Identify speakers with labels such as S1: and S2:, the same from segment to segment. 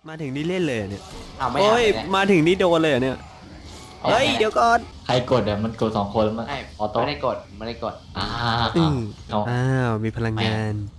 S1: มาถึงนี่เล่นเลยเหรอเนี่ย
S2: เอาไม่
S1: โอ้
S2: อ่าน
S1: ย
S2: เลยเนี่ย
S1: มาถึงนี่โดนเลยเหรอเนี่ยเฮ้ยเดี๋ยวก่อน
S3: ใครกดอ่ะมันกด2 คนแล้วมัน
S2: ไม่
S3: ออโต้
S2: ไม่ได้กดไม่ได้กด
S3: อ่า
S1: อืม
S3: เอา
S1: อ้าวมีพลังงาน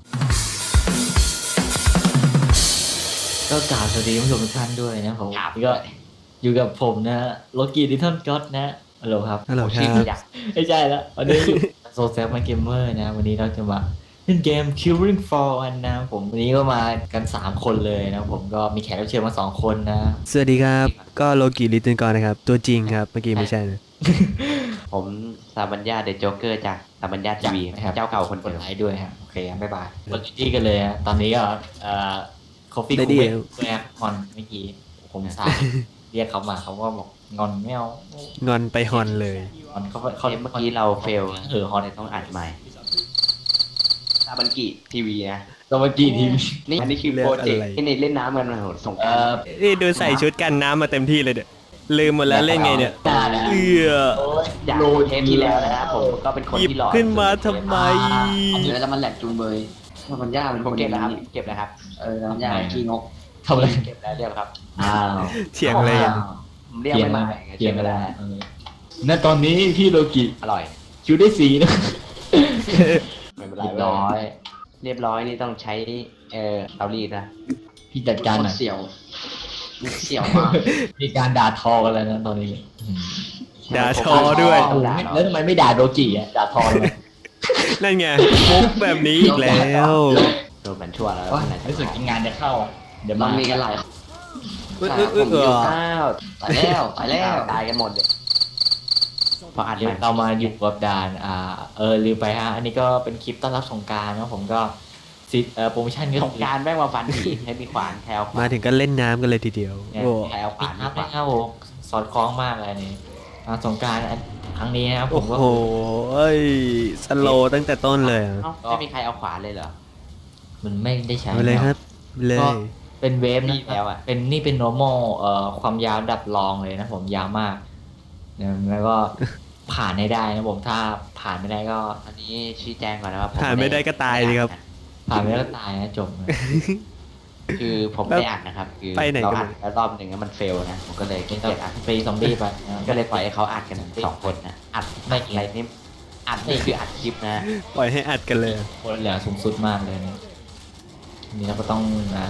S3: ก็กล่าวสวัสดีผู้ชมทุกท่านด้วยนะผม
S2: ครับ
S3: นี่ก็อยู่กับผมนะโลกี้ดิทัลก็อตนะฮัลโหลครับ
S1: ฮัลโหลค
S2: ชื่อ
S1: รับ
S2: อยาก
S3: ไม่ใช่แล้ววันนี้อยู่โซเซฟมาเกมเมอร์นะวันนี้เราจะมาเล่นเกม Killing Floor กันนะผมวันนี้ก็มากัน3 คนเลยนะผมก็มีแขกรับเชิญมา2 คนนะ
S1: สวัสดีครับก็โลกิลิตเติลกอนนะครับตัวจริงครับเมื่อกี้ไม่ใช่นะ
S2: ผมสามัญญาเดอะโจ๊กเกอร์จากสามัญญาทีวี
S3: นะครับ
S2: เจ้าเก่าคน
S3: กด
S2: เดิม
S3: ไลค์ด้วยฮะโอเคบ๊ายบายกดที่กันเลยฮะตอนนี้ก็คอฟฟี่
S1: ได้
S3: คู
S1: ดี
S3: เวทแอปงอนเมื่อกี้ผมสายเรียกเขามาเขาก็บอกงอนไม่เอา
S1: งอนไปฮอนเลย
S3: งอนเขา
S2: เมื่อกี้เราเฟล
S3: ฮอน
S2: เลยต้องอัดใหม่ซาบันกิทีวีนะ
S3: ตอนเมื่อกี้ทีม
S2: นี่อันนี้คือโปรเจกต์ที่ในเล่นน้ำกันมาโหสงกรานต์
S1: นี่ดูใส่ชุดกันน้ำมาเต็มที่เลยเด้อลืมหมดแล้วเล่นไงเนี่ย
S3: ได้นะ
S1: เอื้อ
S2: จากเทปที่แล้วนะครับผมก็เป็นคน
S1: หยิบ
S2: ที่หล่อ
S1: ขึ้นมาทำไม
S4: เดี๋ยวแล้วมันแหลกจุงเบยมันมันยากเป็น
S2: ผ
S4: ค
S2: ม
S4: น
S2: เก็บ
S4: แล้
S2: แล้ว
S4: ว
S2: ครับเก็บนะครับ
S4: มันยากขี้งก
S3: ทำอะไร
S2: เก็บแล้วเรียบครับ
S3: อ้าว
S1: เถียงเลยอะ
S2: ผมเรียกไม่มา
S3: เถียงกันแล้วณตอนนี้พี่โลกิ
S2: อร่อย
S3: คิวได้สีนะ
S2: ไม่เป็นไร
S3: เรียบร้อย
S2: เรียบร้อยนี่ต้องใช้เตารีดนะ
S3: พี่จัดการหน่อย
S4: เสี่ยวเสี่ยวมาก
S3: มีการด่าทอกันแล้วนะตอนนี้
S1: ด่าทอด้วย
S3: โอ้โหแล้วทำไมไม่ด่าโดจิอ่ะด่าทอเลย
S1: นั่นไงมุกแบบนี้อีกแล้ว
S2: โดนมันชั่วแล้ว
S3: ว่ารู้สึกงานจะเข้าอ่ะเดี๋ยว
S4: มั
S3: มาน
S4: มีกันหลาย
S1: อึ๊ดอึ๊ดอึ๊ดเออ
S2: อ้าว
S4: ตายแล้วตายแล้ว
S2: ตายกันหมดเลยพออัด
S3: เดี๋ยวเรามาอยู่กับด่านลืมไปฮะอันนี้ก็เป็นคลิปต้อนรับสงกรานต์นะผมก็โปรโมชั่นก็
S2: สงการแม่งมาฟันผีให้มีขวานแถวขวาน
S1: มาถึงก็เล่นน้ำกันเลยทีเดียว
S3: เนี่ย
S1: โอ้
S2: แถวข
S3: ปิ
S2: วา
S3: ด
S2: น
S3: อัพนะครับผมสอดคล้องมากเลยนี่สงกรานต์ครั้งนี้นะครับผมก็
S1: โหเอ้ยสโลว์ตั้งแต่ต้นเลยอะ
S2: เอ้าไม่มีใครเอาขวานเลยเหรอ
S3: มันไม่ได้ใช้
S1: ไปเลยครับเล
S3: ก็
S1: ย
S3: เป็นเวฟ
S2: มี
S3: นะ
S2: แล้วอะ
S3: เป็นนี่เป็น normal ความยาวดับรองเลยนะผมยาวมากนะแล้วก็ผ่านให้ได้นะผมถ้าผ่านไม่ได้ก็
S2: อันนี้ชี้แจงก่อนนะครับ
S1: ผ่านไม่ได้ก็ตายเลยครับ
S3: ผ่านไม่ได้ก็ตายนะจบเลย
S2: คือผมไม่ได้อัดนะครับคือ
S1: ไปไหน
S2: เรา
S1: กัน
S2: อัดแล้วรอบหนึ่งแล้วมันเฟลนะผมก็เลย
S3: เป็น
S2: เกลียดอัด
S3: ฟรีซอมบี้ไปนะ
S2: ก็เลยปล่อยให้เขาอัดกัน2 คนนะอัด
S3: ไม่
S2: อะไรนี่อัดนี่คืออัดคลิปนะ
S1: ปล่อยให้อัดกันเลย
S3: คนเหลือสูงสุดมากเลยนะนี่เราก็ต้อง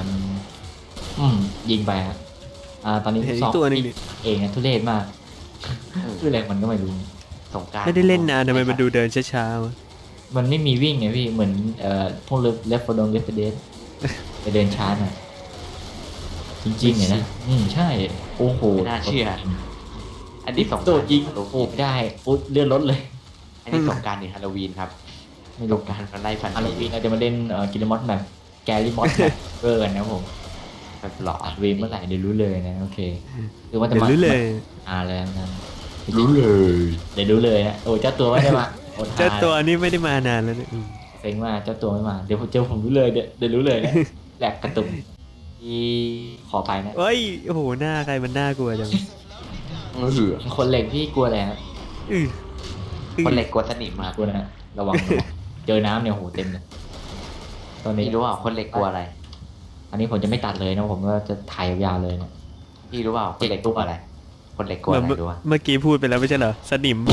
S3: ยิงไปฮะตอนนี้
S1: เห็นอี
S3: สอก ง
S1: ตัวหนึงนี่
S3: เองนะทุเรศมากคืออะไรมันก็ไม่รู้
S2: สงกราร
S1: ไม่ได้เล่นนานทำไมมันดูเดินช้าๆวะ
S3: มันไม่มีวิ่งไงพี่เหมือนพวกเลฟโฟดงเลฟเดสไปเดินช้าหน่อยจริงๆเนี่ยนะใช่โอ้โห
S2: ไม่น่าเชื่อ อันนี้สงก
S3: โด
S2: ราร
S3: ดยิงโอ้โหไม่ได้ปุ๊บเลื่อนรถเลย
S2: อันนี้สงกรารหรือฮาโลวีนครับ
S3: ไม่
S2: ส
S3: รู้
S2: งกรารมันไล่ฟัน
S3: อาร์
S2: ผี
S3: วีเราจะมาเล่นกิลมอสแบบแกรี่มอสเบอร์กันนะผม
S2: แบบหลอ
S3: อา
S2: ด
S3: ร์วีเมื่อไหร่เดี๋ยวรู้เลยนะโอเคคือว่าจะ
S1: เดี๋ยว
S3: มา
S1: รู้เลย
S3: เลยนะรู้เลยเดี๋ยวรู้เลยนะโอ้เจ้าตัวไม่ได้มาอดห
S1: เจ้าตัวนี้ไม่ได้มานานแล้วเนี่ยอืม
S3: เซ็งมากเจ้าตัวไม่มาเดี๋ยวผมเจอผมรู้เลยเดี๋ยวรู้เลยนะแหลกกระตุกที่ขอไปนะ
S1: เฮ้ยโอ้โหหน้าใครมันน่ากลัวจัง
S3: คนเหล็กพี่กลัวอะไรครับ
S1: อื้อ
S2: คนเหล็กกลัวสนิมครับ
S3: กลัวนะระวังเจอน้ำเนี่ยโหเต็มเลยตอนนี้
S2: พี่รู้เปล่าคนเหล็กกลัวอะไร
S3: อันนี้ผมจะไม่ตัดเลยนะผมก็จะถ่ายยาวๆเลยนะ
S2: พี่รู้เปล่าคนเหล็กกลัวอะไร คนเหล็กกลัว
S1: เห
S2: อะ
S1: มือน
S2: ไรรู้ป่ะ
S1: เมื่อกี้พูดไปแล้วไม่ใช่เหรอสนิม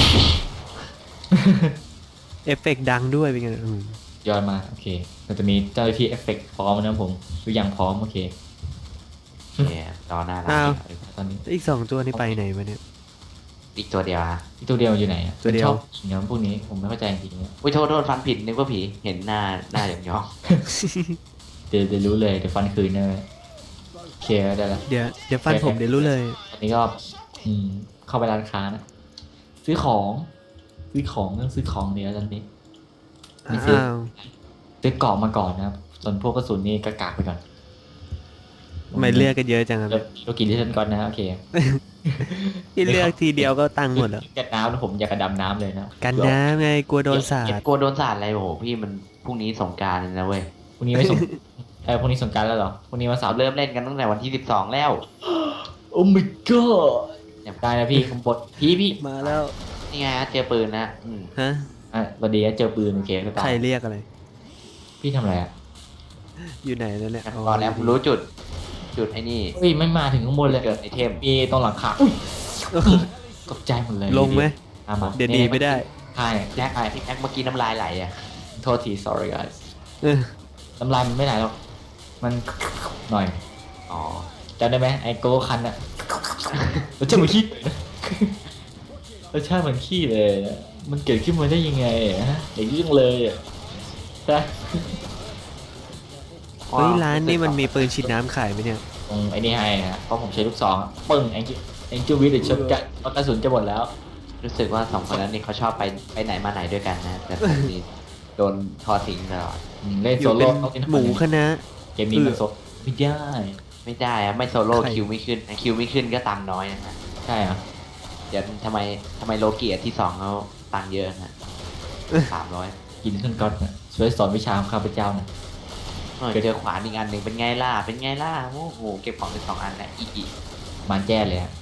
S1: เอฟเฟกต์ดังด้วยเป็นไงอืม
S3: ย้อนมาโอเคเราจะมีเจ้าหน้าที่เอฟเฟกต์พร้อมนะผมทุกอย่างพร้อมโอเค
S2: เนี่ยรอหน้าร้า
S1: อ้าว
S2: น
S3: ตอนนี้
S1: อีก2 ตัวนี่ไปไหนวะเนี่ย
S2: อีกตัวเดียวฮะ
S3: ที่ตัวเดียวอยู่ไหนอะ
S1: ตัวเดียว
S3: ชอบหินพวกนี้ผมไม่เข้าใจจริงๆเนี่ย
S2: อุ้ยโทษฟันผิดนึกว่าผีเห็นหน้าอย่างยอง
S3: เดี๋ยวรู้เลยเดี๋ยวฟันคืนนะโอเคได้แล้ว
S1: เดี๋ยวฟันผมเดี๋ยวรู้เลย
S3: ตอนนี้ก็เข้าไปร้านค้านะซื้อของต้องซื้อของเดี๋ยวตอนนี้ไม่ซื้อ
S1: อ้าว
S3: ซื้อกล่องมาก่อนนะครับส่วนพวกกระสุนนี่กากๆไปก่อน
S1: ทำไมเลือกกันเยอะจังครับ
S3: เลือกโลกิที่ฉันก่อนนะโอเค
S1: ที่เลือกทีเดียวก็ตังค์หมดแล้ว
S3: กันน้ำนะผมอยากกระดำน้ำเลยนะ
S1: กันน้ำไงกลัวโดนสาด
S2: กลัวโดนสาดอะไรโอ้โหพี่มันพรุ่งนี้สงกรารนะเว้ย
S3: พรุ่งนี้ไม่สง พรุ่งนี้สงกรารแล้วเหรอพรุ่งนี้วันเสา
S2: เรา
S3: ร์
S2: เริ่มเล่นกันตั้งแต่วันที่12แล้ว
S3: โอ้ my god ได้นะพี่ผมบดพี่
S1: มาแล้ว
S2: นี่ไงฮะเจอปืนนะ
S1: ฮะ
S3: สวัสดีนะเจอปืนโอเคก็ตา
S1: ใคร
S3: ย
S1: เรียกอะไร
S3: พี่ทำอะไรอ่ะ
S1: อยู่ไหนแล้วเนี่ย
S2: พอแล้วผมรู้จุดจุดไอ้นี่
S3: เฮ้ยไม่มาถึงข้างบนเลย
S2: เกิดไอเทม
S3: มีตรงหลังคาอุ้ยตกใจหมดเลย
S1: ลงไหม
S3: มา
S1: เดี๋ยวดีไม่ได้
S3: ใช่
S2: แจ็คแจ็คเมื่อกี้น้ำลายไหลอ่ะ
S3: โทษที sorry guys
S1: เออ
S3: น้ำลายมันไม่ไหลหรอกมันหน่อย
S2: อ๋อ
S3: จำได้ไหมไอ้โกโก้คันอะรสชาติเหมือนขี้รสชาติเหมือนขี้เลยอะมันเกิดขึ้นมาได้ยังไงอะฮะอย่างยิ่งเลยอะใช่
S1: เฮ้ยร้านนี่มันมีปืนฉีดน้ำขายไหมเนี่ย
S3: ตรงไอ้นี่ให้ฮะเพราะผมใช้ลูกซองอะปึ้งแองจิวิดหรือช็อตกันเพราะกระสุนจะหมดแล้ว
S2: รู้สึกว่าสองคนนั้นนี่เขาชอบไปไหนมาไหนด้วยกันนะ แต่ผมนี่โดนทอดทิ้งตลอด
S3: เล่น
S1: อ
S3: โซ
S1: ยู่เป็
S3: โล่
S1: น
S3: ต้องเล่น
S1: หมูคณะ
S3: เกมนี้มันโซไม่ได้
S2: ไม่ได้อะไม่โซโล่
S1: ใคร
S2: คิวไม่ขึ้นคิวไม่ขึ้นก็ตังค์น้อยนะฮะ
S3: ใช่เหรอ
S2: เดี๋ยวทำไมโลเกียที่สองเขาตังค์เยอะนะ300
S3: กินขึ้นก๊อตนะช่วยสอนวิชาของข้าพเจ้าหนะ
S2: เจอขวานอีกอันหนึ่งเป็นไงล่ะโอ้โหเก็บของเป็น2 อันแหละอีก
S3: มันแจ้เลยฮะ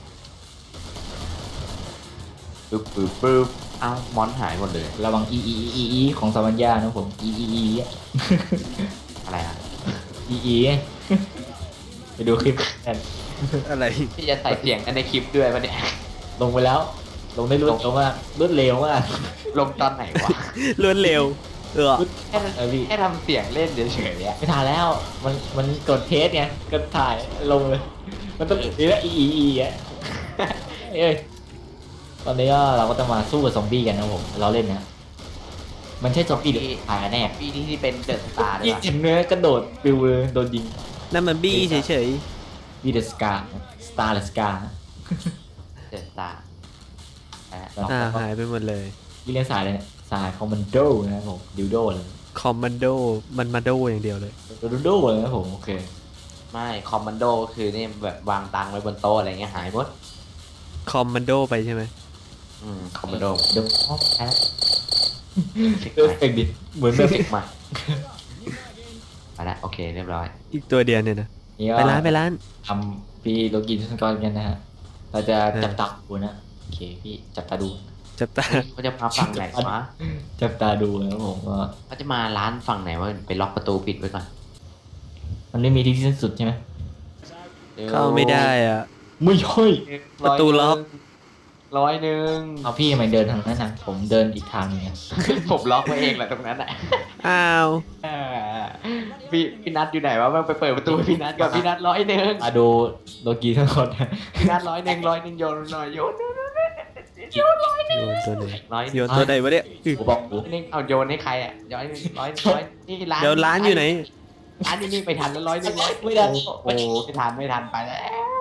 S2: ปึ๊บเอ้ามอนหายหมดเลย
S3: ระวังอีของสามัญญานะผมอะ
S2: อะไรอ่ะ
S3: อีไปดูคลิปกัน
S1: อะไร
S2: พี่จะใส่เสียงกันในคลิปด้วยปะเนี่ย
S3: ลงไปแล้ว ลงได้รวดเร็วมากรวดเร็วมาก
S2: ลงตอนไหนวะ
S1: รวดเร็ว เออ
S2: แค่
S3: พี่
S2: แค่ทำเสียงเล่นเฉยๆอ่ะ
S3: ไม่ถ่ายแล้ว มันกดเทสไงกดถ่ายลงเลย มันต้องนี่แหละอ่ะเอ้ยตอนนี้ก็เราก็จะมาสู้กับซอมบี้กันนะผมเราเล่นนะมันใช่ซอมบี้หรือถ่ายกันแน่
S2: ปีนี้ที่เป็นเดอะสตาร์เลย
S3: ยี่
S2: ปะ
S3: เห็นเนื้อกระโดดปิวเลยโดนยิง
S1: นั่นมันบี้เฉย
S3: วีเดสกาสตาร์เลสกา
S2: เดอะสตาร์
S1: ๆหายไปหมดเลย
S3: พี่เล่นสายเลยเนี่ยสายคอมมานโดนะครับผมดิวโดเลย
S1: คอมมานโด มันมาโดอย่างเดียวเลย
S3: ดิวโดเลยนะครับผมโอเค
S2: ไม่คอมมานโดคือนี่แบบวางตังค์ไว้บนโต๊ะอะไรเงี้ยหายหมด
S1: คอมมานโดไปใช่ไหม
S2: คอมมานโด
S3: เดี๋ยวพ่อแพ้
S2: เช็ค
S3: เออ
S2: ใหม่
S3: เก่งดิเหมือนแบบ
S2: เช็คใหม่ไปละโอเคเรียบร้อย
S1: อีกตัวเดียวเนี่ยนะ
S3: นี่
S1: ไปร้านไปร้าน
S3: ทำพี่โลกินสันกรกันนะฮะเราจะ
S1: เออ
S3: จับตาดูนะโอเคพี่จับตาดู
S1: จับตา
S2: เขาจะมาฝั่งไหนวะ
S3: จับตาดูนะครับผมว่า
S2: เขาจะมาร้านฝั่งไหนวะไปล็อกประตูปิดไว้ก่อน
S3: มันไม่มีที่สิ้นสุดใช่ไหม
S1: เข้าไม่ได้อ่ะ
S3: ไม่ใช่
S1: ประตูล็อก
S2: 100
S3: เอาพี่ทำไมเดินทางนั้นนะผมเดินอีกทางหนึงไง
S2: ผมล็อกไว้เองแหละตรงนั้นอ่ะ
S1: อ้าว
S2: พี่นัทอยู่ไหนวะมันไปเปิดประตูให้พี่นัทกับพี่นัท100
S3: มาดูโลกีสันกรนะ
S2: พี่นัท100 โยนหน่อยโยน
S1: โยนตัวไหน
S2: ร้อย
S1: โยนตัวไหนวะเนี่ยอึ
S3: ผมบอกกู
S2: นึงเอาโยนให้ใครอ่ะ100นี่ร้าน
S1: เดี๋ยวร้านอยู่ไหน
S2: ร้านอยู่นี่ไปทันแล้ว100
S3: ไม่ได้
S2: โอ้ไม่ทันไปแล้ว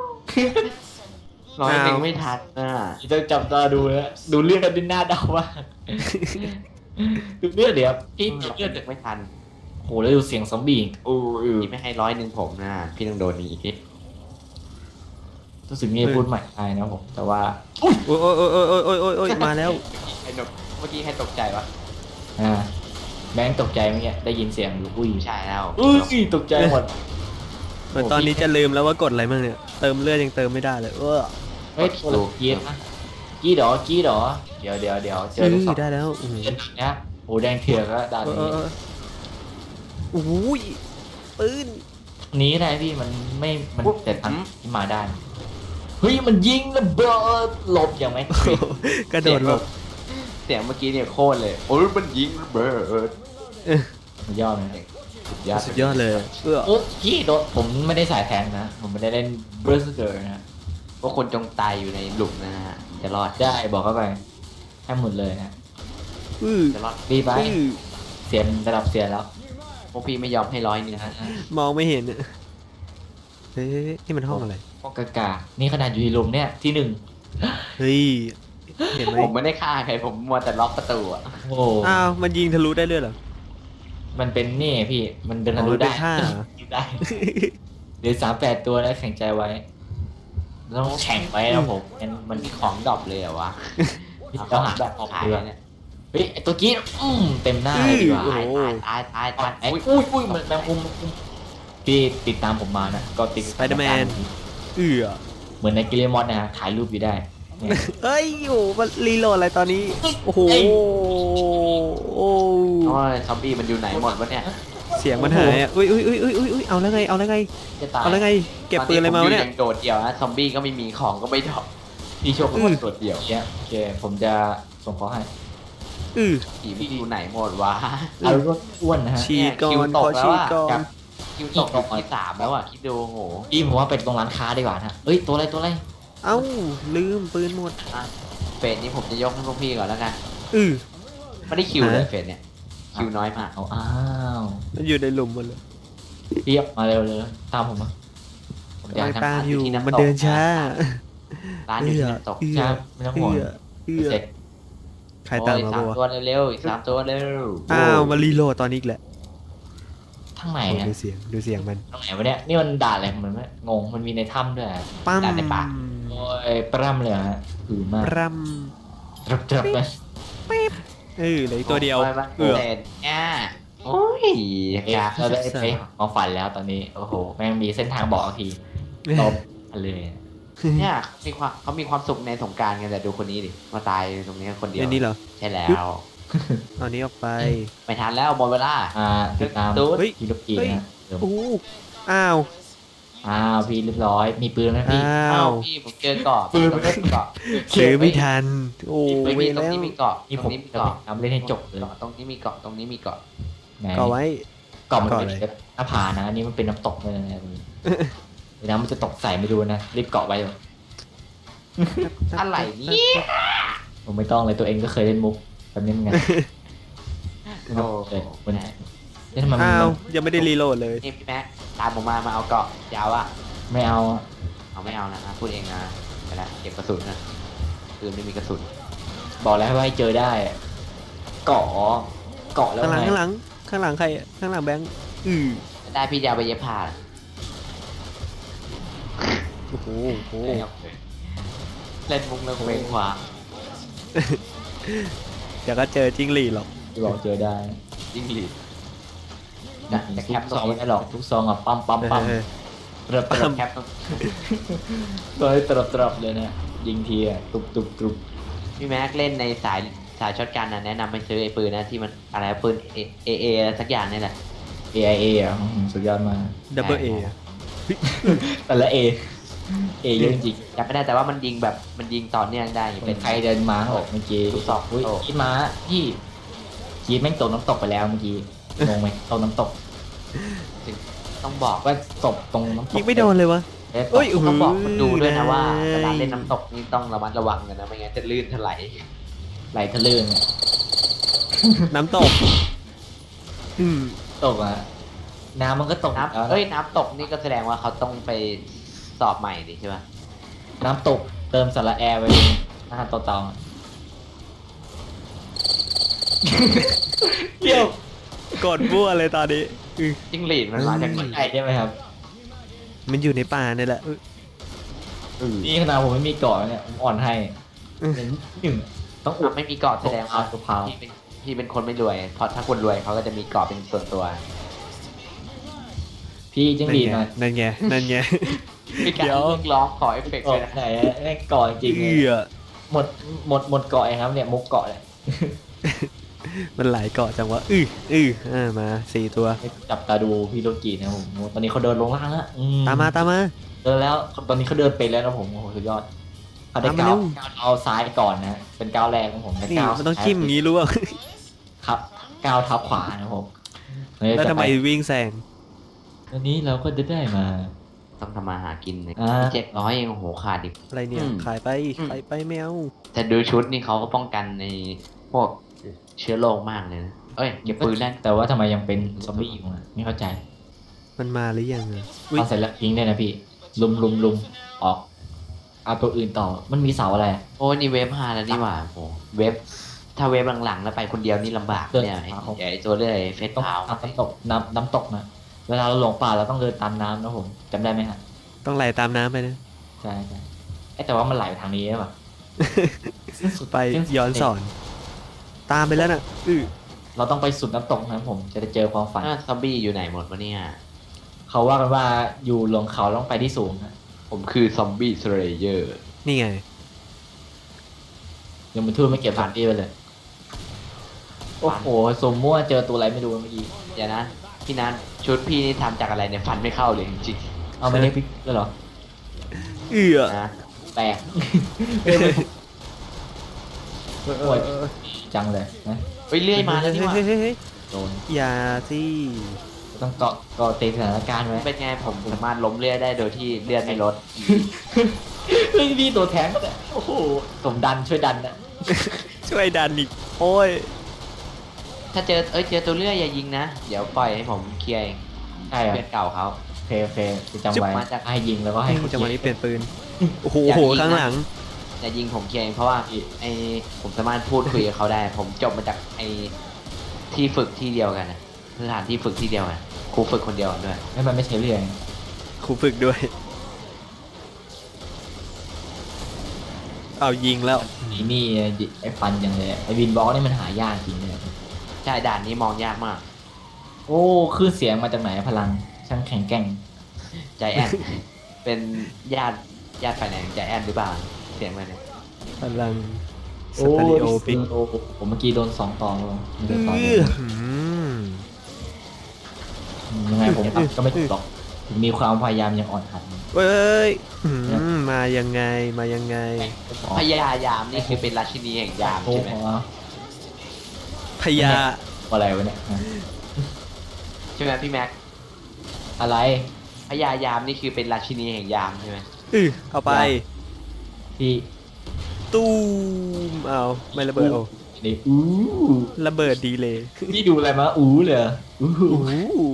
S2: 100ไม่ทันอ่ะ
S3: จะจับตาดูนะดูเลือดกันดินหน้าเดามากดูเลือดเดี๋ยวพี่ดูเลือด
S2: ไม่ทัน
S3: โหแล้วดูเสียงซอมบี้โอ้ย
S2: พี่ไม่ให้100ผมนะพี่ต้องโดนนี้อีก
S3: รู้สึกมีพูดใหม่ได้นะผมแต่ว่า
S1: โอ้ยโอ้ยโอ้ยโอ้ยโอ้ยโอ้ยโอ้ยมาแล้ว
S2: ไอ้หนกเมื่อกี้ให้ตกใจวะ
S3: อ่าแบงค์ตกใจเมื่อกี้ได้ยินเสียงอยู่อุ้ย
S2: ไม่ใช่แล้ว
S3: อุ้ยตกใจหมด
S1: เหมือนตอนนี้จะลืมแล้วว่ากดอะไรบ้างเนี่ย เติมเลือดยังเติมไม่ได้เลย
S3: เฮ้ยตัวกีดนะกีดเหรอเดี๋ยวเจอลูกศร
S1: ได้แล้วอือ
S3: เจอเนี้ยโอ้แดงเถือกแล้วด่านนี้
S1: โอ้ยปืน
S3: นี้ได้พี่มันไม่มันแต่ทางที่มาได้เฮ้ยมันยิงระเบิดหลบอย่างไหม
S1: กระโดดหลบ
S2: เสียงเมื่อกี้เนี่ยโคตรเลยโอ้ยมันยิงระเบิด
S3: มันยอดเลย
S1: สุดยอดเลย
S3: โอ้พี่โดนผมไม่ได้สายแทงนะผมไม่ได้เล่นเบอร์สเกอร์นะ
S2: พวกคนจงตายอยู่ในหลุมนะฮะจะรอด
S3: ได้บอกเข้าไปให้หมดเลยนะ
S2: จะรอด
S3: รีบไปเสียนระดับเสียนแล้ว
S2: พวกพี่ไม่ยอมให้100นะฮะ
S1: มองไม่เห็นเฮ้ยนี่มันห้องอะไร
S3: พวกกานี่ขนาดอยู่ในหลุมเนี่ยที่หนึ่ง
S1: เฮ้ย เห็นไหม
S2: ผมไม่ได้ฆ่าใครผมมัวแต่ล็อกประตูอ่ะ
S3: โอ้
S1: อ้าว มันยิงทะลุได้เลยเหรอ
S3: มันเป็นนี่พี่มันเดินทะลุ
S1: อ๋อเป็
S3: ได้
S1: นท่าเหรอ
S3: ได้เดี๋ยว38 ตัวแล้วแข่งใจไว้ต้องแข่งไว้นะผมมัน
S2: มันมีของดรอปเลยเหรอวะ
S3: ต้องหาแบบออก
S2: ขาย
S3: เรือ
S2: เนี่ย
S3: เฮ้ยไอ้ตัวกี้เต็มหน้าเลยดีกว่า
S1: โอ้โห
S2: ตาย
S3: ไอ้อุ้ยมันแมงมุมพี่ติดตามผมมานะก็ติด
S1: Spider-Man
S3: เหมือนในกิเลมอนนะถ่ายรูปอยู่ได้เนี่ย
S1: เอ้ยโอ้มันรีโหลดอะไรตอนนี้ โอ้โห โอ้
S2: โอ้ยซอมบี้มันอยู่ไหนหมดวะเนี่ย
S1: เสีสียงมันหายอ่ะอุ้ยเอาแล้วไงเอาแล้วไง
S3: จะตาย
S1: เอาแล้วไงเก็บปืนอะไรมาวะเนี่ย
S2: ตอผมอางโดดเดี่ยวนะซอมบี้ก็ไม่มีของก็ไม่ดรอป
S3: พี่โชคก็โดดเดี่ยวเนี่ยโอเคผมจะส่งเขาให้
S2: ผีมันอยู่ไหนหมดวะ
S3: เอารถอ้วนนะฮะ
S1: ฉีดก่อ
S2: คิวน ต
S1: ข
S2: ก
S1: อ
S2: แล้ว
S1: ฉีด
S2: อะ
S1: ก่อน
S2: คิวตกอยู่ที่3แล้วอ่ะคิดดูโห
S3: พี่ผมว่าเป็นตรงร้านค้าดีกว่านะเอ้ยตัวอะไร
S1: เอ้าลืมปืนหมด
S2: เฟสนี้ผมจะยกให้พวกพี่ก่อนแล้วกัน
S1: อือ
S2: ไม่ได้คิวเลย
S1: ฮะ
S2: เฟสเนี่ยคิวน้อยมาก
S3: เอาอ้าว
S1: มันอยู่ในหลุมหมดเลย
S3: เรียบมาเร็วเลยตามผมมาผมอยาก
S1: ตา
S3: ทำ
S1: มอยู่
S2: ที่น้ำตก
S1: มันเดินช้า
S2: ร้านอยู่ที่น้ำตก
S3: ใช่ไม่ต้องห่วง
S1: เสร็จใครตามมา
S2: โอ้ย
S1: ปะ
S2: 3 ตัว
S1: วะ
S2: เร็วๆอีก3 ตัวเร็ว
S1: อ้าวมารีโหลดตอนนี้อีกแหละ
S3: ทั้งไหน
S1: โอ้
S3: อะ
S1: ดูเสียงดูเสียงมัน
S3: ทั้งไหนวะเนี่ยนี่มันด่าอะไรของมันไหมงงมันมีในถ้ำด้วยอะ
S1: ปั้ม
S3: โอ้ยปร่ำเลยฮะหือมาก
S1: ปรัม
S3: จับเลย
S1: เหลืออีกตัวเดียว
S2: เออเนี่ยโอ้ย
S3: อยากเราได้ไปของฝันแล้วตอนนี้โอ้โหแม่งมีเส้นทางบอกทีตบเลย
S2: เนี่ยเขามีความสุขในสงกรารกันแต่ดูคนนี้ดิมาตายตรงนี้คนเดียว
S1: อันนี้เหรอ
S2: ใช่แล้ว
S1: เอานี้ออกไป
S2: ไม่ทันแล้วหมดเวลา
S3: ติดตาม
S2: ตูด
S1: เฮ้ย
S3: พี่ลูกกีนะเดี๋ยว
S1: โอ้อ้าว
S3: พี่เรียบร้อยมีปืนไหมพี่
S1: อ้า
S2: อ้าว วพี่ผมเจอเกาะ
S3: ปืน
S2: ตรงนี้มีเกาะ
S1: ซื้อไม่ทัน โอ้
S2: เฮ้ย
S1: เว
S2: มีตร
S1: แล้
S2: ง
S1: ว
S2: นี้มีเกาะ
S3: นี่
S2: ต
S3: ผ
S2: รง
S3: ม
S2: นี้มี
S3: จะ
S2: เกาะ
S3: ทำเล่นให้จบเลย
S2: ตรงนี้มีเกาะตรงนี้มีเกาะ
S3: ไหน
S1: ก็ไว้
S3: เกาะมัน
S1: เกาะ
S3: เป็น
S1: อะไร
S3: หน้าผานะอันนี้มันเป็นน้ำตกเลยนะเดี๋ยวน้ำมันจะตกใส่ไม่ดูนะรีบเกาะไว้เลย
S2: อะไรเนี่ย
S3: ผมไม่ต้องเลยตัวเองก็เคยเล่นมุกแบบนี้เหมือนกัน
S2: โอ้
S3: เลยมันนี่ทำไมมัน
S1: อ้าวยังไม่ได้รีโหลดเลย
S2: นี่พี่แม็กตามผมมาเอาเกาะยาวอ่ะ
S3: ไม่เอา
S2: เอาไม่เอานะพูดเองนะไปละเก็บกระสุนนะปืนไม่มีกระสุน
S3: บอกแล้วว่าให้เจอได้เกาะเกาะแล้ว
S1: ข้างหลัง
S3: ไง
S1: ข้างหลังข้างหลังใครอะข้างหลังแบงค์
S2: ได้พี่จะเอาไปเย็บผ้า
S1: โอ้โห
S2: เล่นมุกเล่นเวงขวา
S1: เดี๋ยวก็เจอจิ้งหรีดหรอก
S3: บอกเจอได้
S2: ยิงหลีด
S3: นะแต่แคปซองไม่ได้หรอกทุกซองอ่ะปั๊มปั๊มปั๊ม
S1: เออ
S3: เติบ
S2: ปั๊
S3: เติ
S2: ม
S3: บ
S2: แคปต้อง
S3: เลยเติบเติบเลยนะยิงทีอ่ะตุบตุบตุบ
S2: พี่แม็กเล่นในสายช็อตกันนะแนะนำไปซื้อไอ้ปืนนะที่มันอะไรปืนเอสักอย่างนี่แหละ
S3: AIA อ่ะสุดยอดมาก
S1: ดับเบิลเอ
S3: แต่ละ A เยอะจริง
S2: จำไม่ได้แต่ว่ามันยิงแบบมันยิงต่อเนื่องได้
S3: เป็
S2: เป็น น
S3: ใครเดินมาบอกเมื่อกี้
S2: ลูกศร
S3: อุ้ย
S2: โอ้
S3: คิดมาพี่คิดแม่งตกน้ำตกไปแล้วเมื่อกี้งงไหมตกน้ำตก
S2: ต้องบอก
S3: ว่าศพตรงน้ำตก
S1: ยิงไม่โดนเลยวะ
S3: เอ้ย
S1: เอ้ย
S2: ต้องบอกคนดูด้วยนะว่า
S1: ได้
S2: เวลาเล่นน้ำตกนี่ต้องระมัดระวังกันนะไม่งั้นจะลื่นถลาย
S3: ไหลทะลื่นอะ
S1: น้ำตก
S3: ตกอ่ะน้ำมันก็ตกแล้ว
S2: น้ำน้ำตกนี่ก็แสดงว่าเขาต้องไปสอบใหม่ดิใช่ปะ
S3: น้ำตกเติมสระแอร์ไว้หน้าต่อตองเกี่ยว
S1: กดบัวเลยตอนนี้
S2: จิ้งหรีดมันมาจากไหน
S3: ใช่ใช่ไหมครับ
S1: มันอยู่ในป่าเนี่ยแหละ
S3: นี่ขนาดผมไม่มีเกาะเนี่ยผมอ่อนให้
S1: อืม
S3: หนึ่งต้องอุด
S2: ไม่มีเกาะแสดงว่า
S3: ตุกพาว
S2: พี่เป็นคนไม่รวย เพราะถ้าคนรวยเขาก็จะมีเกาะเป็นส่วนตัว
S3: พี่จิ้งหรีดหน่อย
S1: นั่นไงนั่นไง
S2: มีการ
S1: เดี๋ยว
S2: เรียกร้องขอเอฟเฟกต์
S3: เกาะ
S2: ด้วยนะ
S3: ไหนอะแม่งเกาะจริงๆ
S1: เอื
S3: เลย
S1: อ
S3: หมดเกาะเองครับเนี่ยมุกเกาะเนี่ย
S1: มันหลายเกาะจังวะมา4 ตัว
S3: จับตาดูพี่โลกีนะผมตอนนี้เขาเดินลงล่างแล้ว
S1: ตามมาตามมา
S3: เดินแล้วตอนนี้เขาเดินเป็นแล้วนะผมโอ้โหสุดยอดเขาได้
S1: ตามมา
S3: ก้าว
S1: เร็ว
S3: เอาซ้ายก่อนนะเป็นก้าวแรกของผมแต่
S1: นี่
S3: ก้าว
S1: มันต้องจิ้มอย่างนี้รู้ป่ะ
S3: ครับก้าวเท้าขวานะผม
S1: แล้วทำไมวิ่งแซง
S3: อันนี้เราก็จะได้มา
S2: ต้องทำมาหากินเลย
S3: อ่า
S2: 700เองโอ้โหขาดอีก
S1: อะไรเนี่ย
S2: อืม
S1: ขายไปขายไปแมว
S2: แต่ดูชุดนี่เขาก็ป้องกันในพวกเชื้อโรคมากเลยนะเอ้ยเก็บปืนได้
S3: แต่ว่าทำไมยังเป็นซอมบี้อยู่อ่ะไม่เข้าใจ
S1: มันมาหรือยังอะอุ๊ย
S3: เอาเสร็จแล้วทิ้งได้นะพี่ลุมออกเอาตัวอื่นต่อมันมีเสาอะไรอะ
S2: โอ้ยนี่เวฟ5แล้วนี่หว่าโอ้โหเวฟถ้าเวฟหลังๆแล้วไปคนเดียวนี่ลำบากเนี่ยไอ้ตัวเรื่อยเฟส
S3: ต้อง
S2: พาว
S3: น้ำตกน้ำตกนะเวลาเราหลงป่าเราต้องเดินตามน้ำนะผมจำได้ไหมฮะ
S1: ต้องไหลตามน้ำไปนะ
S3: ใช่แต่ว่ามันไหลไปทางนี้ใช่ปะ
S1: ไปย้อนสอน ตามไปแล้วน่ะ
S3: เราต้องไปสุดน้ำตกนะผมจะได้เจอความฝัน
S2: ซอมบี้อยู่ไหนหมดวะเนี่ย
S3: เขาว่ากันว่าอยู่ลงเขาต้องไปที่สูงนะ
S2: ผมคือซอมบี้สเลเยอร์
S1: นี่ไง
S3: ยังมันทูดไม่เก็บผ่านที่ไปเลยโอ้โหสมมั่วเจอตัวอะไรไม่รู้เมื่อกี้
S2: เดี๋ยวนะพี่นัทชุดพี่นี่ทำจากอะไรเนี่ยฟันไม่เข้าเลยจริง
S3: เอาไม่ได้พลิกแล้วเหรอ
S1: เอื้อ
S2: ๆนะ
S3: แปลกโอ้ยจังเลยนะ
S2: เฮ้ยเลื่อยมาแล้วนี่หว่า
S1: เฮ้ย
S3: โดน
S1: อย่าสิ
S3: ต้องเกาะติดสถานการณ์ไว้
S2: เป็นไงผมสามารถล้มเลื่อยได้โดยที่เลื่อนไม่ลด
S3: เฮ้ยพี่ตัวแทงก็ได้โอ้โหสมดันช่วยดันนะ
S1: ช่วยดันอีกโอ้ย
S2: ถ้าเจอตัวเลื่อยอย่ายิงนะ เดี๋ยวปล่อยให้ผมเคลียร์เอง
S3: ใช่เหรอ
S2: เพื่อนเก่าเขา
S3: โอเคจะจำไว้
S2: มาจาก
S3: ให้ยิงแล้วก็ให้เขา
S1: จังหวะนี้เปลี่ยนปืนโอ้โห
S2: อย่ายิงนะ
S1: ข้างหลัง
S2: อย่ายิงผมเคลียร์เองเพราะว่าไอผมสามารถพูดคุยกับเขาได้ ผมจบมาจากไอที่ฝึกที่เดียวกันนะสถานที่ฝึกที่เดียวกันครูฝึกคนเดียวกันด้วย
S3: ให้มันไม่ใช่เรื่อง
S1: ครูฝึกด้วย เอายิงแล้ว
S3: นี่ไอ้ฟันยังเลยไอ้วินบล็อกนี่มันหายากจริงเลย
S2: ใช่ด่านนี้มองยากมาก
S3: โอ้คลื่นเสียงมาจากไหนพลังช่างแข็งแกร่ง
S2: ใจแอน เป็นญาติฝ่ายไหนของใจแอนหรือเปล่าเสียงมันเนี่ย
S1: พลังส
S3: โอ้
S1: เตอริโอปิก
S3: โอ้ผมเมื่อกี้โดน2 ต่อเลยไม่ได้ต่อเล
S1: เอื้
S3: ย
S1: อ
S3: ยังไงผมก็ไม่ถูกหรอกถึงมีความพยายามยังอ่อนหัด
S1: เว้ยมายังไงมายังไง
S2: พญายามนี่คือเป็นราชินีแห่งยาม
S3: โอ้
S2: ใช่
S3: โห
S2: ไหม
S1: พญา
S3: อะไรวะเนี่ย
S2: ใช่ไหมพี่แม็ก
S3: อะไร
S2: พญายามนี่คือเป็นราชินีแห่งยามใช่ไหม
S1: เอาไป
S3: พี่
S1: ตู้มเอาไม่ระเบิดโอ้
S3: นี่
S1: ระเบิดดีเลย
S3: พี่ดูอะไรมาเลยอู้
S1: โอ้โห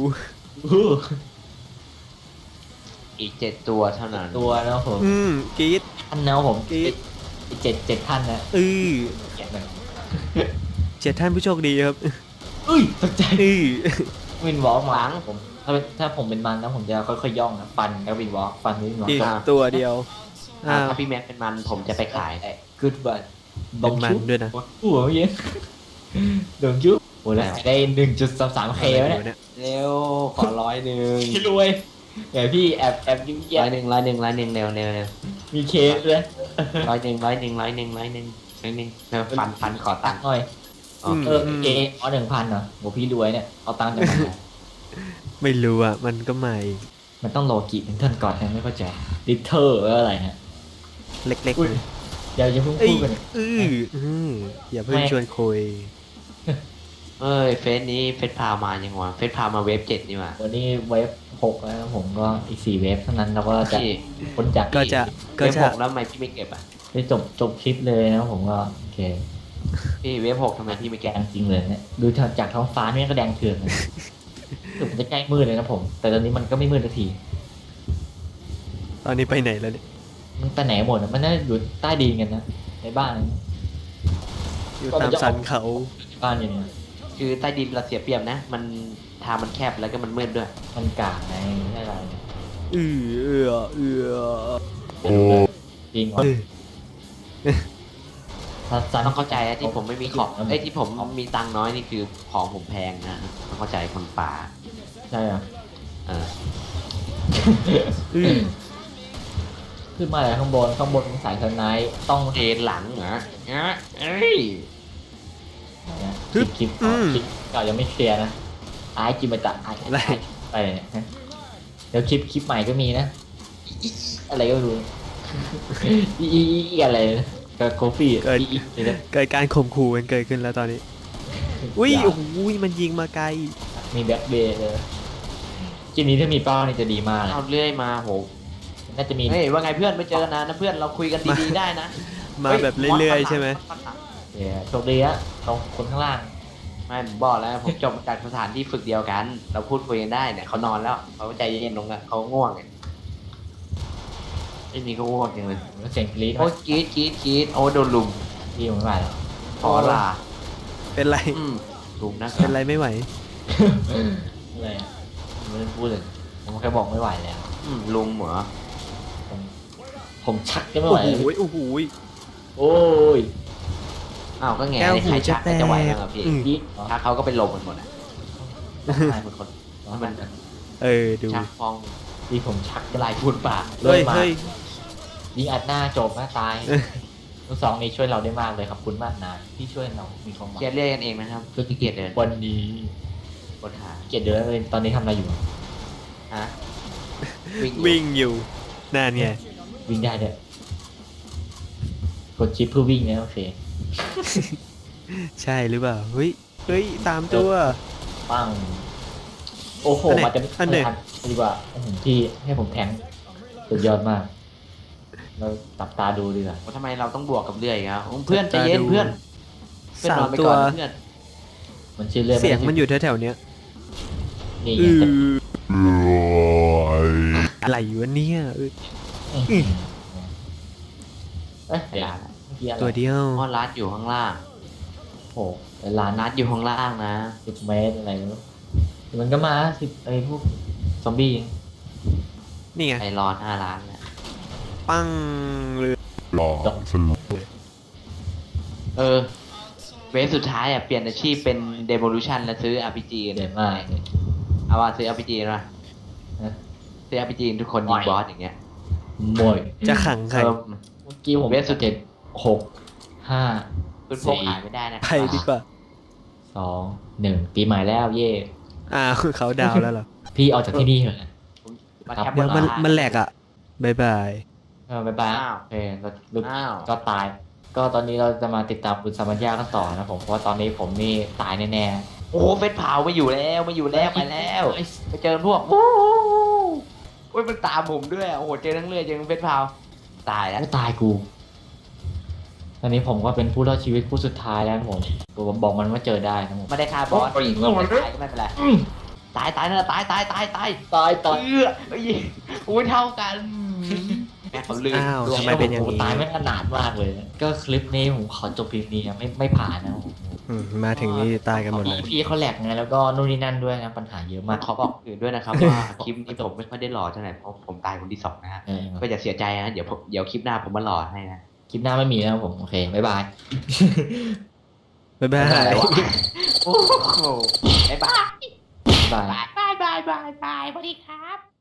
S2: อีก7 ตัวเท่านั้น
S3: ตัวนะผม
S1: กรีด
S3: ท่านนะผม
S1: กรีด
S3: เจ็ดท่านนะ แกะหน่อย
S1: 7 ท่านผู้โชคดีครับ
S3: อุ้ยตกใจ
S1: อื้อ
S3: วินวอล์กมาผมถ้าผมเป็นมันนะผมจะค่อยๆย่องนะฟันแล้ววินวอล์กฟันวินวอล์
S1: อีก
S3: ก
S1: ตัวเดียวอ้าว
S2: ถ้าพี่แม็กเป็นมันผมจะไปขาย
S3: กูดบัต
S1: เป็นมันด้วยนะ
S3: หัวเมื่อกี้ดงจุ๊บโอ้แล้วได้ 1.33K แล้ว
S1: อะไร
S3: เนี่ย
S1: เนี่ย
S2: เร็วขอ101
S3: พี่รวยเดี๋ยวพี่แอบยิ้มแย้ม
S2: 101เร็ว
S3: มีเคสด้วย
S2: 101ฟันขอตังค์
S3: หน่อย
S2: อ๋อ
S3: เออ๋อ1,000เหรอโหพี่รวยเนี่ยเอาตังค์จากไหน
S1: ไม่รู้อ่ะ มันก็ใหม่
S3: มันต้องโลกิเป็นเทิร์นก่อนนะไม่เข้าใจดิเทอร์อะไรฮะ
S1: เล็ก
S3: อุ้ย เดี๋ยวอย่าเพิ่ง
S1: เอ้ย
S3: พูดกัน
S1: อย่าเพิ่งชวนคุย
S2: เอ้ยเฟซนี้เฟซพามายังวะเฟซพามาเวฟ7นี่หว่า
S3: วันนี้เวฟ6แล้วผมก็อีก4เวฟเท่านั้นเราก็จะ
S2: พี่
S3: พ้นจาก
S1: ก็จะ
S2: เวฟ6แล้วทำไมพี่ไม่เก็บอ่ะ
S3: ได้จบคลิปเลยนะผมก็โอเค
S2: พี่เวฟ6ทำไมพี่ไม่
S3: แด
S2: เก็บ
S3: งจริงเลยเนี่ยดูจากท้องฟ้านี่ก็แดงเถื่อนเลยถึงมันจะใกล้มืดเลยนะผม แต่ตอนนี้มันก็ไม่มืดสักที
S1: ตอนนี้ไปไหนแล้วเนี่ย
S3: มันไปไหนหมดอะมันน่าจะอยู่ใต้ดินกันนะในบ้าน
S1: อยู่ตามสันเขา
S3: บ้านอย่างเนี้ย
S2: คือใต้ดินเราเสียเปรียบนะ มันทางมันแคบแล้วก็มันมืดด้วย
S3: มันกากไงไม่ใช่อะไรเนี่ย
S1: เอื้อ
S3: จริงเหรอ
S1: เอ้ย
S3: ซัน
S2: ต้องเข้าใจนะที่ผมไม่มีของไอ้ยที่ผมมีตังค์น้อยนี่คือของผมแพงนะต้องเข้าใจคนป่า
S3: ใช่เหรอ
S2: เออ
S3: ขึ้นมาจากข้างบนเป็นสายสไนป์ต้อง
S2: เอ็นหลังเหรอเอ้ย
S3: เนี่ยคลิปเก่ายังไม่เคลียร์นะไอ้จิมตะไอ้ไปเนี่ยฮะเดี๋ยวคลิปใหม่ก็มีนะอะไรก็ไม่รู้อีอะไรนะกับโคฟี่นี่นะ
S1: เกิดการข่มขู่กันเกิดขึ้นแล้วตอนนี้ อุ้ยโอ้โหมันยิงมาไกล
S3: มีแบ็คเบย์เลยเกมนี้ถ้ามีเป้านี่จะดีมากเลย
S2: เอาเรื่อยมาโห
S3: น่าจะมี
S2: เฮ้ยว่าไงเพื่อนไม่เจอกันนานนะเพื่อนเราคุยกันดีๆได้นะ
S1: มาแบบเรื่อยๆใช่ไหม
S3: โชคดีอะตรงคนข้างล่าง
S2: ไม่ผมบอกแล้วผมจบจากสถานที่ฝึกเดียวกัน เราพูดคุยกันได้เนี่ยเขานอนแล้วเขาใจเย็นลงแล้วเขาง่วงไงไอ้นี่ก็ง่วงจังเลย
S3: แล้วเสียงกรี๊ด
S2: โอ้ยกรีดโอ้โดนลุม
S3: ที่ผมไม่ไหวแล้ว
S2: ขอลา
S1: เป็นไร
S2: ลุมนะ
S1: เป็นไรไม่ไหว
S3: อะไรอะไม่ได้พูดเลยผมแค่บอกไม่ไหวแล้ว
S2: ลุมเหรอ
S3: ผมชักก็ไม่
S1: โอ้
S3: ไหว
S1: โหโอ้โห
S3: โอ้ย
S2: อ้าวก็แง่
S1: แก้ว
S2: ใน
S1: หู
S2: ใคร
S1: จะ
S2: ชัก
S1: แต
S2: ก็จะไหว
S1: ก
S2: แล้วพี่
S3: กรี๊ด
S2: ชักเขาก็เป็นลมกันหมดอ่ะ
S3: ตายหมดคน
S2: มัน
S1: ดู
S2: ชักฟอง
S3: ที่ผมชัก
S2: ลายพูดปาก
S1: เฮ้ย
S3: มา
S1: เฮ้ย
S3: ยิงอัดหน้าจบนะตายทั้งสองนี้ช่วยเราได้มากเลยครับคุณมากนายที่ช่วยเรามีความหวัง
S2: เคลียร์เรียกกันเองนะครับคือขี้เกียจเดิน
S3: วันนี้
S2: กดหา
S3: เกลียดเดินเลยตอนนี้ทำอะไรอยู่
S2: ฮะ
S1: วิ่งอยู่นั่นไง
S3: วิ่งได้ด้วยกดชิปเพื่อวิ่งนะโอเค
S1: ใช่หรือเปล่าเฮ้ยเฮ้ยตามตัว
S3: ปั้งโอ้โห
S1: อันไหน
S3: มาจะ
S1: อันไหน
S3: ทันดีกว่าพี่ให้ผมแทงสุดยอดมาก เราตับตาดูดีกว่า
S2: ว่าทำไมเราต้องบวกกับเรื่อยครับเพื่อนใจเย็นเพื่อนเพื่อน
S1: สาน
S2: อ
S1: ม
S2: นไป
S1: ตั
S2: ก่
S1: ว
S2: อนนะเพื่อน
S3: มันชื่อเรื่อง
S1: เสียงมันอยู่แถวๆเนี้ย
S3: นี่
S1: อื
S3: ไง
S1: ออะไรอยู่วะเนี่ยเอ้ย
S3: เอ้ย
S2: เดี๋ยว
S3: เมื่อกี้อะไร
S1: ตัวเดียว
S2: มอนรัดอยู่ข้างล่าง
S3: โอ้โหร้าน
S2: รัดอยู่ข้างล่างนะ
S3: 10 เมตรอะไรไม่รู้มันก็มา10ไอ้พวกซอมบี้
S1: นี่ไง
S2: ไปรอหน้าร้านนะ
S1: ปั้งเลย
S2: เวฟสุดท้ายอ่ะเปลี่ยนอาชีพเป็น Demolition แล้วซื้อ RPG
S3: เด่นมากเลย
S2: เอาว่าซื้อ RPG นะ
S3: นะ
S2: ซื้อ RPG ทุกคนยิงบอสอย่างเงี้ย
S3: มวย
S1: จะขังใคร
S2: เออ
S3: เมื่อกี้ผม
S2: เวฟสุด
S3: 7 6
S2: คุณพกหายไม่ได้นะ
S1: ไปดีกว่า
S3: 5 2 1ปีใหม่แล้วเย่
S1: อ้าวเขาดาวแล้วเหรอ
S3: พี่ออกจากที่นี่เถอะ
S2: มาแคป
S1: เดี๋ยวมัน
S2: บร้า
S1: มันแหลกอ่ะบายบาย
S3: บ๊ายบาย
S2: อ้าว
S3: โอเคเราลุก
S2: อ้าว
S3: ก็ตาย ก็ตอนนี้เราจะมาติดตามคุณสามัญญากันต่อนะผมเพราะว่าตอนนี้ผมนี่ตายแน่
S2: โอ้โหเฟสเผาไม่อยู่แล้วไม่อยู่
S3: ๆ
S2: แล้วไปแล้ว
S3: ไอ้
S2: ไปเจอพวกโอ้ยมันตามผมด้วยโอ้โหเจอทั้งเรื่อยเจอทั้งเฟสเผาตายแล้ว
S3: ตายกู ตอนนี้ผมก็เป็นผู้รอดชีวิตผู้สุดท้ายแล้วนะผมบอกมันว่าเจอได้นะผม
S2: ไม่ได้ฆ่าบอส
S3: โอ้ย
S2: ไม่ตายก็ไม่เป็นไรตายนะตาย
S3: ตาย
S2: เอ้ยโอ้ยเท่ากันแม่เขาลืม
S1: อ้าว
S2: ดวง
S1: ทำไมเป็นอย่างนี้
S3: ตายไม่ขนาดมากเลย ก็คลิปนี้ผมขอจบเพียงนี้นะไม่ผ่านนะ
S1: มาถึงนี่ตายกันหมดเลย
S3: พี่เขาแหลกไงแล้วก็นู่นนี่นั่นด้วยนะปัญหาเยอะมาก
S2: ขอบอกอื่นด้วยนะครับว่าคลิปนี้ผมไม่ค่อยได้หล่อเท่าไหร่เพราะผมตายคนที่สองนะฮะ
S3: เออ
S2: ก็อย่าเสียใจนะเดี๋ยวคลิปหน้าผมมาหล่อให้นะ
S3: คลิปหน้าไม่มีแล้วผมโอเคบ๊ายบาย
S1: บ๊ายบาย
S2: อะไรวะโอ้โหบ๊ายบาย
S3: บ๊ายบาย
S2: บายบายบายบายสวัสดีครับ